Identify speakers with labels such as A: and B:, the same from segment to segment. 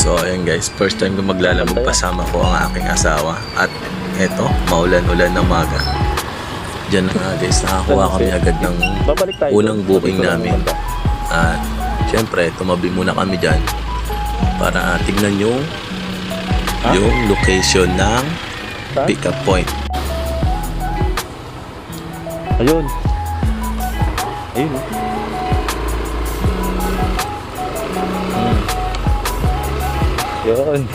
A: So ayun guys, first time ko maglalamog kasama ko ang aking asawa. At eto, maulan-ulan ng maga. Diyan na nga guys, nakakuha kami agad ng unang booking namin. At syempre, tumabi muna kami dyan para tignan yung location ng pick up point.
B: Ayun. Ayun. Yun.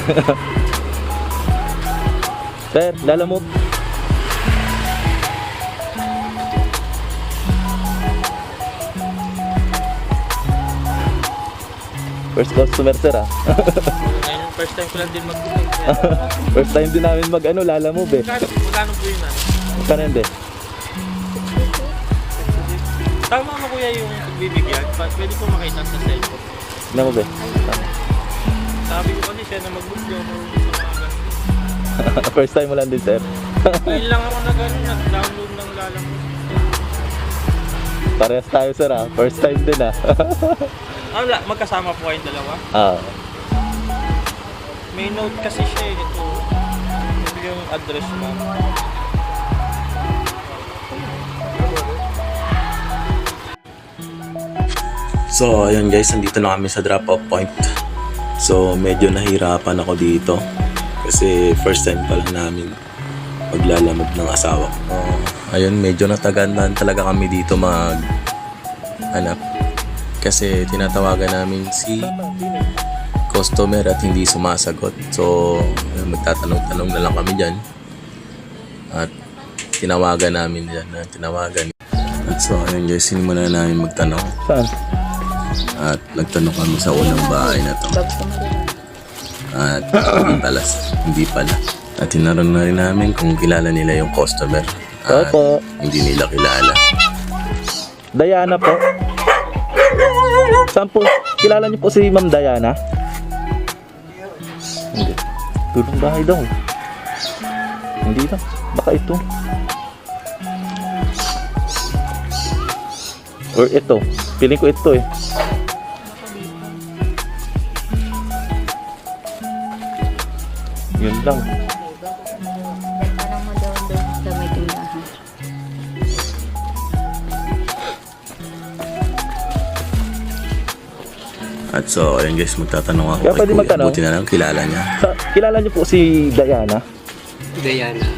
B: Sir, lalamog. First customer, sir, ah.
C: First time ko lang din mag-booking.
B: First time din namin lalamove eh.
C: Magkano po yun?
B: Magkano hindi?
C: Tama mo kuya yung pagbibigyan. Pwede ko makita sa cellphone.
B: Lamove eh.
C: Sabi ko kasi siya na mag-book yung mga ganun.
B: First time mo lang din, sir.
C: Ngayon lang ako nag-download ng lalamog.
B: Parehas tayo, sir, ah. First time din, ah.
C: Magkasama po kayong dalawa?
B: Ah.
C: May note kasi siya eh. Ito. Ito yung address mo.
A: So ayun guys, nandito na kami sa drop off point. So medyo nahirapan ako dito kasi first time pa lang namin maglalamog ng asawa ko. Ayun, medyo nataganan talaga kami dito hanap kasi tinatawagan namin si customer at hindi sumasagot. So magtatanong-tanong na lang kami dyan at tinawagan namin dyan. At so ayun guys, sinimulan namin magtanong.
B: Saan?
A: At nagtanong kami sa unang bahay na to. At hindi pala. At tinanong na rin namin kung kilala nila yung customer. At
B: Opo.
A: hindi nila kilala.
B: Diana po. Saan po? Kilala niyo po si Ma'am Diana? Hindi. Tulong bahay daw. Hindi lang. Baka ito. Or ito. Piling ko ito eh. Yun lang.
D: Parang madaw-daw sa may tindahan.
A: At so ayun guys, magtatanong ako
B: Kaya
A: kay
B: pwede
A: Kuya.
B: magtanong?
A: Buti na lang kilala niya.
B: Kilala niyo po si Diana?
E: Diana.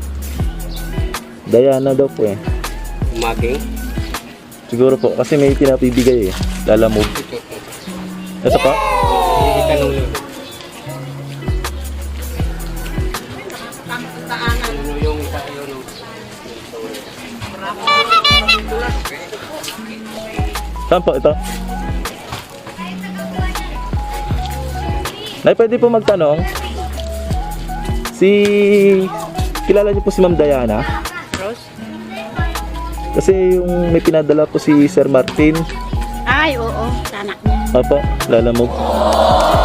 B: Diana daw po eh.
E: Umaging.
B: Siguro po kasi may pinapibigay eh. Lalamove. Ito pa?
E: Itanong yun. Ano yung isa yun?
B: Saan po ito? Nay, pwede po magtanong? Kilala niyo po si Ma'am Diana?
D: Rose?
B: Kasi yung may pinadala po si Sir Martin.
D: Ay, oo. Sa anak niya.
B: Opo, lalamog.